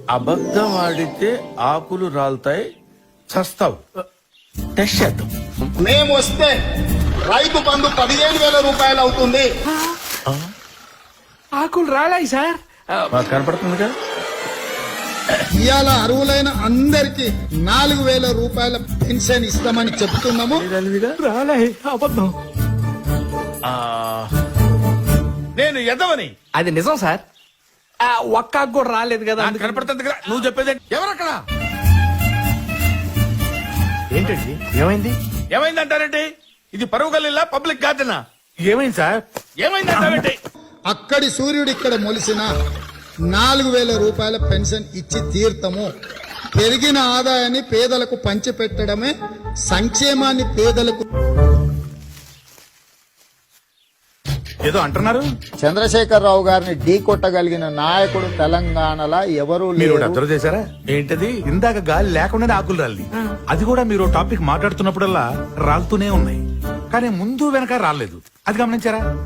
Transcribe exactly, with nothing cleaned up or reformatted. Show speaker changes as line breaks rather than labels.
అబద్ధం ఆడితే ఆకులు రాలుతాయి, చస్తావు. టెస్ట్ చేద్దాం.
మేము వస్తే రైతు బంధు పదిహేను వేల రూపాయలు అవుతుంది.
ఆకులు రాలాయి సార్.
మాకు కనపడుతుంది కదా.
ఇవాళ అర్హులైన అందరికి నాలుగు వేల రూపాయల పెన్షన్ ఇస్తామని చెప్తున్నాము.
రాలాయి అబద్ధం.
ఆ, నేను ఎదవని
అది నిజం సార్. ఆ, ఒక్క ఆకు కూడా రాలేదు కదా.
నాకు కనపడుతుంది కదా. నువ్వు చెప్పేది ఎవరక్కడ?
ఏంటండి ఏమైంది?
ఏమైందంటారేంటి? ఇది పరువు గల్లీలా, పబ్లిక్ గార్డెనా?
ఏమైంది సార్?
ఏమైందంటారేంటి?
అక్కడి సూర్యుడు ఇక్కడ మొలిసిన నాలుగు వేల రూపాయల పెన్షన్ ఇచ్చి తీర్థము. పెరిగిన ఆదాయాన్ని పేదలకు పంచిపెట్టడమే సంక్షేమాన్ని పేదలకు.
ఏదో అంటున్నారు.
చంద్రశేఖరరావు గారిని ఢీ కొట్టగలిగిన నాయకుడు తెలంగాణలో ఎవరు
మీరు
లేరు.
అబ్జర్వ్ చేశారా?
ఏంటది?
ఇందాక గాలి లేకుండానే ఆకులు రాలి, అది కూడా మీరు టాపిక్ మాట్లాడుతున్నప్పుడల్లా రాలుతూనే ఉన్నాయి, కానీ ముందు వెనక రాలేదు. అది గమనించారా?